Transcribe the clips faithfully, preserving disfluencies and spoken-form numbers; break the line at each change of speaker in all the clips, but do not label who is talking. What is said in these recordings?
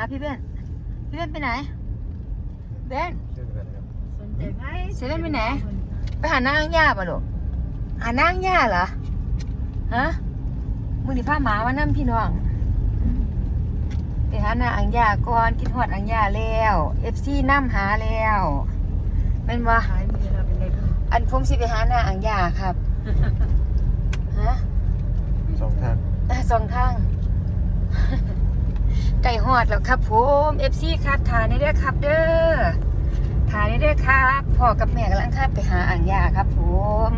าพี่เบนพี่เบนไปไหนเบน
สนใจไหม
เซเว่นไปไหนไปหานางย่าป่ะลูกหานางย่าเหรอฮะมึงนี่พาหมามานั่พี่น้องไปหานางย่าก่อนกินฮอดอังย่าแล้วเอฟซีน้ำหาแล้วเป็นว่า
ขายมีเราเป็นเล็ก
อันผมสิไปหานางย่าครับฮะ
สองทาง
สองทางไก่ฮอดแล้วครับผมเอฟซีครับถ่ายในเด้อครับเด้อถ่ายในเด้อครับพ่อกับแม่กำลังข้ามไปหาอ่างยาครับผม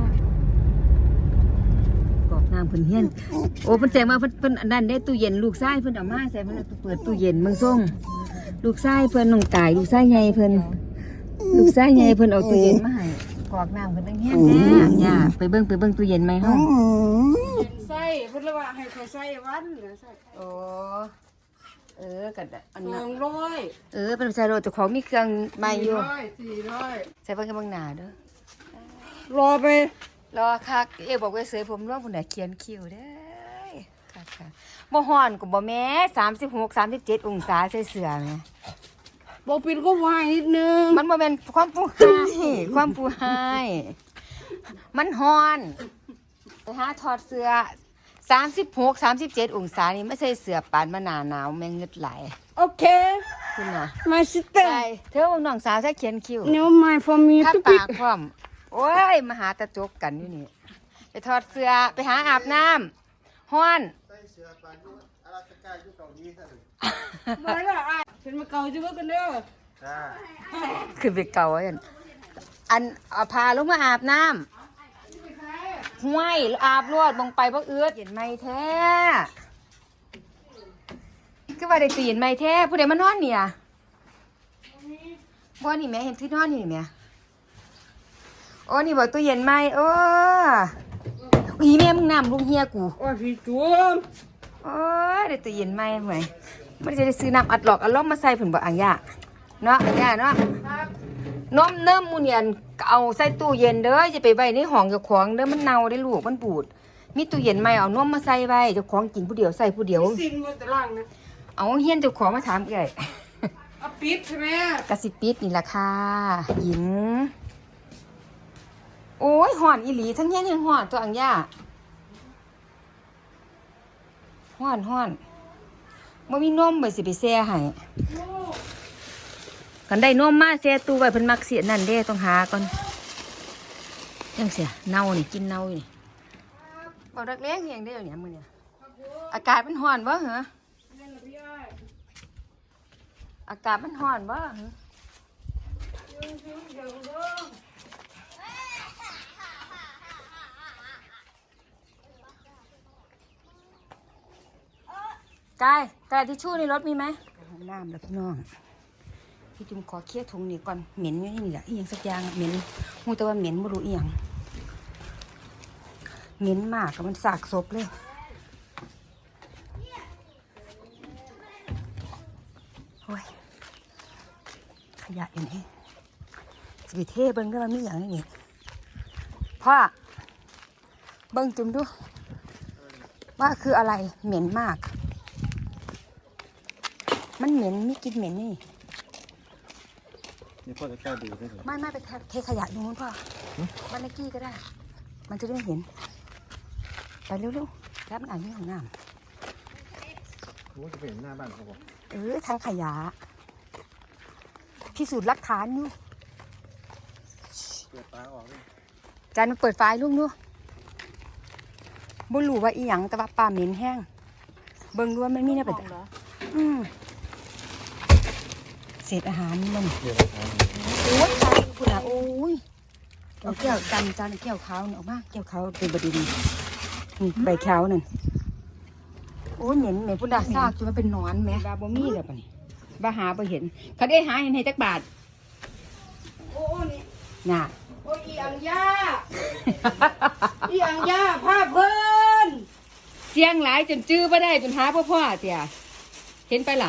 กอกน้ำเพิ่นเฮียนโอ้เพิ่นแจ้งมาเพิ่นเพิ่นอันนั้นได้ตู้เย็นลูกชายเพิ่นเอามาใส่เพิ่นเปิดตู้เย็นเมืองส่งลูกชายเพิ่นน้องตายลูกชายใหญ่เพิ่นลูกชายใหญ่เพิ่นเอาตู้เย็นมาให้กอกน้ำเพิ่นตั้งเฮียนแน่อ่างยาไปเบิ่งไปเบิ่งตู้เย็นไหมเฮา
ใส่เพิ่นเลยว่าให้เขาใส่วันใส่
โอ้เออกัดอันนั้
ส
น
องร้อย
เออเป็นชายโรเจ้าของมีเครื่องใหม่อยู่
สี่ร้อย
ใส่เบิ่งกับเบิ่งหน้าเด้อ
รอไป
รอคักเอ๋บอกว่าเสยผมร่วงผู้ใดเขียนคิวเด้อค่ะค่ะบ่ฮ้อนก็บ่แม้สามสิบหก สามสิบเจ็ดองศาใส่เสื้อแม่
บ่ปิดก็วายนิดนึง
มันบ่แม่นความผู้ให้ความผู้ให้มันฮ้อนไปหาถอดเสื้อสามสิบหก สามสิบเจ็ดองศานี่ไม่ใช่เสื้อปานมาหนาหนาวแม่งเงึดไหล
โอเค
คุณน่ะ
my sister
ใช่เธอน้องสาวใส่เขียนคิว
no my for me
ถ้าปากพร้อมโอ้ยมาหาตะจกกันอยู่นี่ไปถอดเสื้อไปหาอาบน้ำฮ้อน
มาละอ่ะเป็นมาเก่าจะเบิ่งกันเด้อ
คือไปเก่าอันอันเอาพาลงมาอาบน้ำห้วยอาบรวดมองไปบ่เอื้อเห็นไหมแท้คือว่าได้ตื่นไหมแท้ผู้ใดมานอนเนี่ยบ่นี่แม่เห็นที่นอนนี่แม่โอ้นี่บอกตู้เย็นไหมโอ้อีแม่มึงน้ำลุงเฮียกู
โอ้ยพี่จุ๊บ
โอ้ยได้ตู้เย็นไหมห่วยไม่ได้จะได้ซื้อน้ำอัดหลอกอัดล้อมมาใส่ผุนบ่อ่างยาเนาะอ่างยาเนาะน้อมเนิ่มมูเนียนเอาใส่ตู้เย็นเด้อจะไปไว้ในห้องเจ้าของเด้อมันเน่าได้ลูกมันบูดมีตู้เย็นไหมเอาน้อมมาใส่ไว้เจ้าของกินผู้เดียวใส่ผู้เดียว
สินมาตารางนะ
เอาเฮียนเจ้าของมาถามเอ้ย
เอาปิดใช่ไหม
กะสิปิดนี่ล่ะค่ะหญิงโอ้ยห่อนอีหลีทั้งเฮียนทั้งห่อนตัวอ่างยาห่อนห่อนบ่มีนมไปสิไปแช่ให้กันได้นมมาแช่ตู้ไว้เพิ่นมักเสียนั่นเด้ต้องหาก่อนจังเสียเน่านี่กินเน่านี่บ่รักเลี้ยงเฮียงได้เนี่ยมื้อเนี่ยอากาศมันร้อนบ่เหรออากาศมันร้อนบ่เหรอกายกระดาษทิชชู่ในรถมีไหมห้องน้ำแล้วพี่น้องพี่จุ่มขอเคลียร์ถุงนี่ก่อนเหม็นอยู่นี่แหละอีหยังสักอย่างเหม็นมูแต่ว่าเหม็นไม่รู้อีหยังเหม็นมากกับมันสากศพเลยโอ้ยขยะอยู่นี่สวิเทเบิ้งก็มันมีอย่างนี้พ่อเบิ้งจุ่มดูว่าคืออะไรเหม็นมากมันเหม็นมีกลิ่นเหม็นนี่
นี่พ่อจะกล้าดูได้ไหม
ไม่ไม่ไปเทขยะดูมั้งพ่อบ้านเลขที่ก็ได้มันจะได้เห็นไปเร็วๆแล้วมันอ่านที่ห้องน้
ำโอ้จะไปเห็นหน้าบ้านเขาบอก
เออทางขยะพิสูจน์หลักฐานอยู่
เปิดตาออกเลย
จานมันเปิดไฟลุงดูบ่รู้ว่าอีหยังแต่ว่าปลาเหม็นแห้งเบิ่งดูว่ามันมีเนี่ยเป็นอืมเศษอาหารมันโอ้ยตายคุณอ่ะโอ้ยเอาแก้วจำจานแก้วขาวเนี่ยออกมาแก้วขาวเป็นบดีดีนี่ใบขาวนั่นโอ้ยเหม็นเหม็นพุ่นดาซากจนมันเป็นนอนไหมบาบ่มีเลยป่ะนี่บาหาบ่เห็นเขาได้หาเห็นให้จักบาท
โอ้นี่
น่ะ
โอ้ยอีอังยาอีอังยาภาพเพิ่น
เสียงหลายจนจื้อบ่ได้จนหาพ่อพ่อเตี่ยเห็นไปล่ะ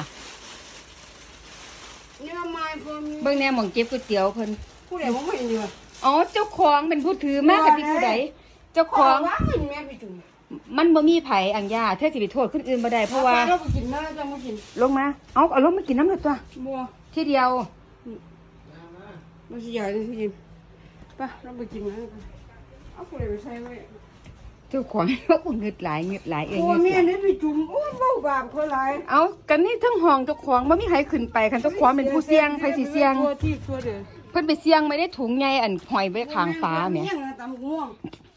เบิ่งแนวหม่องเก็บก๋วยเตี๋ยวเพิ่น
ผู้ใดบ่เห็นอยู่
อ๋อเจ้าของเป็นผู้ถือมากกับพี่ผู้ใดเจ้าของ
ว่าเห็นแม่พี่จุ๋ม
มันบ่มีไผอังยาเธอสิไปโทษคนอื่นบ่ได้เพราะว่า
เราไปกินนะจะมากิน
ลงมาเอาเอาลงมากินน้ำเลยตัว
บัว
ทีเดียว
เราสิใหญ่เลยสิกินไปเราไปกินนะเอาคนเลยไปใช้ไว้
เจ้าของว่าอุ่นเงิดหลายเงิดหลายเอง
โอ้แม่นี่ไปจุ่มโอ้เบ้าบาปคนหลาย
เอากันนี่ทั้งห้องเจ้าของบ่มีใครขึ้นไปคันเจ้าของเป็นผู้เสี่ยงใครสิเสี่ยง
ตัวที่ตัวเดิน
เพิ่นไปเสี่ยงไม่ได้ถุงใหญ่อันหอยไว้ข้างฟ้าแหม
เมี่ยงนะตำม่วง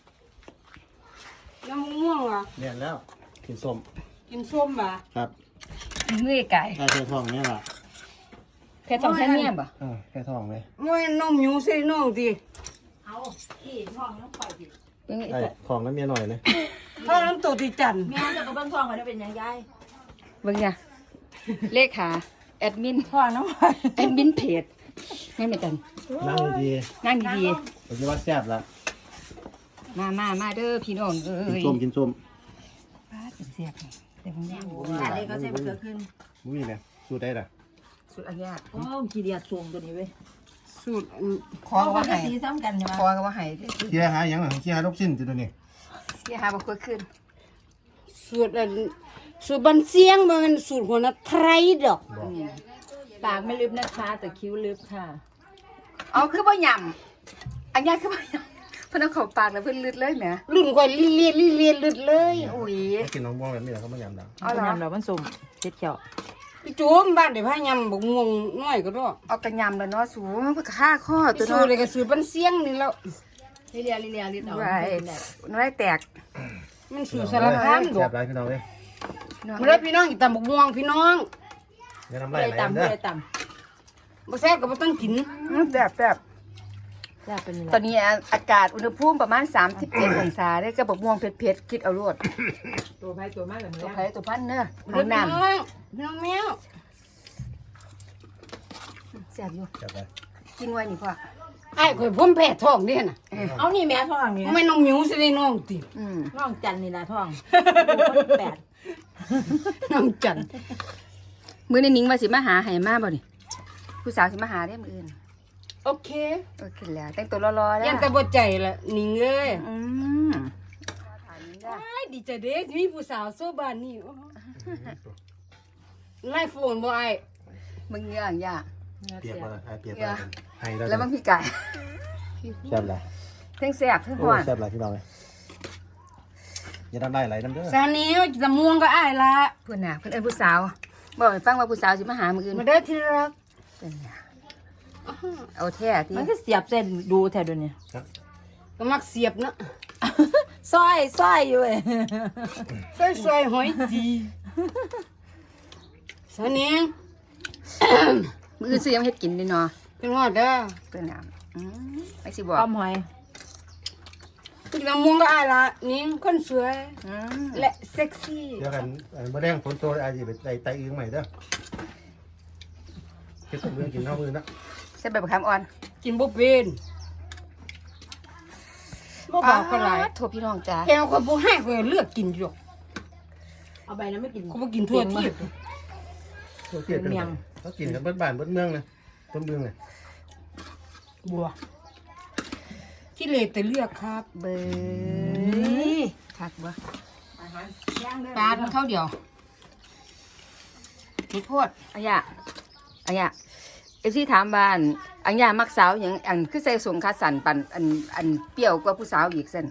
น้ำม่วงอ่ะ
เนี่ยแล้วกินส้ม
กินส้มอ่ะ
ครับ
เมื่อยไก่
ได้แค่ท้องเนี่ยล่ะ
แค่สองแค่เนี้ยบ่
เออแค่ท้องเลย
มวยน้องหมิวใส่น้องดิ
เป็นไง
ไอ้ของนั้นเมียหน่อยเลย
ถ้าน้ำตัวติจัน
แม่จะกระเบื้องทองมันเป็นยังไง
เบิ่งจ้ะเลขาแอดมิน
พ่อน้ำไป
แอดมินเพจแม่นไหมจัน
นั่งดี
นั่งดี
ๆผมจะว่าแซ่บละ
ๆมามามาเด้อพี่น้องเอ้
กิน
ย
ส้มกินส้ม
ป้าดเป็นเสียบนี่แต่ผมยัง
อะไรก็ใช้มะเขือขึ้น
มุ้ยเนี่ยสูตรได้ล่ะ
สุดอันยาก
โอ้ขี้เดียดสูงตัวนี้เว้ย
สูตร
ขอก็ว่าให้
สีซ้ำกันใช่ไหม
ขอก็ว่าให้
เคี่ยหาอย่างหลังเคี่ยหาลูกชิ้นจุดนี้
เสียหาบ่ค่อยขึ้น
สูตรอันสูตรบันเสียงมันเป็นสูตรหัวหน้าไทยดอก
บอก
ปากไม่ลึบนะคะ แต่คิ้วลึบค่ะ
เอาคือบ่ยำอันยากคือบ่ยำเพิ่นเอาเข้าปากแล้วเพิ่นลืดเลยแหม
รุ่นก่อยเลียนเลียนลึดเลย
อุ้ย
ให้กินน้องบ้องแบบนี้แหละเขาไม่ยำดัง
เอาเหรอย
ำเรามันสุ่มเจ็ดเขียว
พี่จุ๋มบ้านเดี๋ยวพายำบกม่วงน้อยก็ได้
เอากระยำแล้วเนาะสูงก็ฆ่าข้อตัว
สู
เนาะ
ตรเลยก็สูตรบันเสียงนี่แล้ว
ลิเลียลิเลียลิเอา
ไว้น้อยแตก
มันสูตรสารพัดด
แซ่
อก
บไรพี่น้องเลย
มาเลยพี่น้องกินตำบกม่วงพี่น้อง
อย่าน้ำ
ไป
ลายไหล
ต่ำ
เด้อ
ไปต่
บ่แซ่บก็บ่ต้องกิน
อืมแซ่บแซ่บ
ำจะเป็น
ตอนนี้อากาศอุณหภูมิประมาณสามสิบเจ็ดองศาได้กระบอกม่วงเผ็ดๆคิดเอารวด
ตัวไปตัวมาแบบ
ตัว
นี้
ไผ่ตัวพันเนอะ
เด้
น้
อ
อง
พี่
น้
น้องพี่น้องแมว
ำแซ่บอยู่
แซ่บไป
กินไว้นี่พ่อ
ไอ้ข่อยผมแพ้ท้องเด้น่ะ
เอานี่แม่ทองนี่
ไม่น้องหมิวสิได้น้องติ
อืม
ทองจันนี่ละทองแปด
น้องจัน
มื้อนี้นิ้งว่าสิมาหาให้มาบ่นี่ผู้สาวสิมาหาได้มื้ออื่น
โอเค
โอเคแล้วแต่งตัวรอๆแล้ว
ยันแต่บ่ใจละนิ่งเอ้ย
อืม
ไอ้ดีใจเด้มีผู้สาวโซบ้านนี่ไล่โฟนบ่ไอ้
มึงเงื่องยาก
เปียกมาเลยไอ้เปียกมาให้ได้
แล้วบางพี่ไก่
แซ่บไร
ทั้งแซ่บทั้ง
โอ้
ฮ้อน
แซ่บไรพี่น้องเลยอย่าน้ำลายไหลน้ำเด้อ
ซานี้ตะม่วงก็อ้ายละ
เพิ่นน่ะเพิ่นเอิ้นผู้สาวบอกให้ฟังว่าผู้สาวสิมาหามื้ออื่น
มาเด้อที่รัก
เป็นไงเอาแท้ที่
มันก็เสียบเส้นดูแถวเดี๋ยวนี้
ก็มักเสียบเนาะ
สร้อยสร้อยอยู่เว้ย
ซอยๆหอยจีซานี้
มื้ออื่นสิยังเฮ็ดกินเด้เนาะ
เป็นฮอดเด้อ
เป็นน่ะอืมไปสิบอก
ป้อมหอย
กินตะม่วงก็อ้ายละนิ่งคนสวย
อืม
และเซ็กซี่
เดี๋ยวกันเมื่อแรงฝนโตอาจจะไปไต่ไต่อึ้งใหม่เด้อเก็บกับมือกินข้าวมือนะ
ใส่ใบบักขามอ่อน
กินบ่เป็นบ่บอกก็หลาย
โทษพี่น้องจ้า
แกคนบ่ให้ก็เลือกกินอยู่
เอาใบนั้นไม่กิน
เขาบ่กินทั่วที่
เขาเกลียดกันเขากินกันเบิดบ้านเบิดเมืองเลยเบิดเมืองเลย
บัวที่เลแต่เลือกครับ
เบยคักบ่ปลามันเข้าเดียวนี่โพดอันยะอันยะเอฟซีถามบ้านอันยะมักสาวหยังอันคือใส่สงคาสันปันอันอันเปรี้ยวกว่าผู้สาวอีกเส้น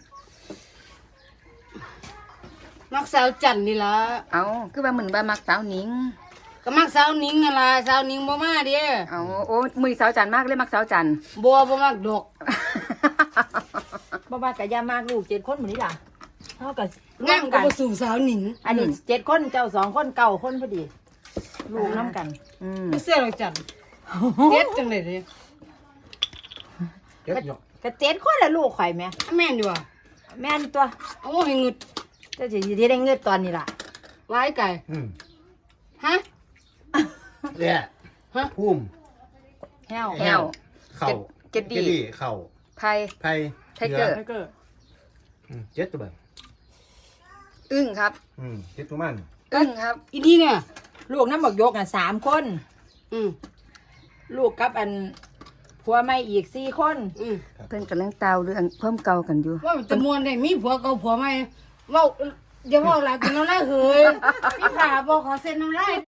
มักสาวจันนี่ล่ะ
เอาคือว่าเหมือนว่ามักสาวหนิง
ก็มักสาวนิ้งนั่นล่ะสาวนิ้งบ่มาเด้
เอาโอ้มือสาวจันมากเลยมักสาวจัน
บัวบ่มักดอก
บ้าบ้ากะยามากลูกเจ็ดคนเหมือนนี้ล่ะเท่ากับ
งามก็บ่สู่สาวนิ้ง
อันนี้เจ็ดคนเจ้าสองคนเก่าคนพอดี ลูกน้ำกัน
อืม
บ่เสื้อเราจันเจ็ดจังได๋เด้
เก็บหยอก
กะเจ็ดคนละลูกข่อยแม่
แม่นอยู่ว่ะ
แม่นตัว
เอาให้งึด
เจ้าจะที่ได้เงินตอนนี้ล่ะ
หลายไก่
อืม
ฮะ
เนี่ย
ฮะ
พุ่ม
แห้ว
แฮว
เข่า
เจ็ดดี
เข่า
ไผ่
ไผ่
ไทเกอร์
ไทเกอร์
อืมเจ็ดตัวแบบ
อึ้งครับ
อืมเจ็ดตัวมัน
อึ้งครับ
อีนี่เนี่ย
ลูกน้ำบอกยกอ่ะสามคน
อืม
ลูกกับอันผัวไม่อีกสี่คน
อืม
เพิ่นกำลังเตาเรื่องเพิ่มเก่ากันอยู่
ว่ามันจะม่วนได้มีผัวเก่าผัวใหม่เว่าอย่าบอกหลายกินน้ำลายเหยพี่ผ่าบอกขอเซ็นน้ำลาย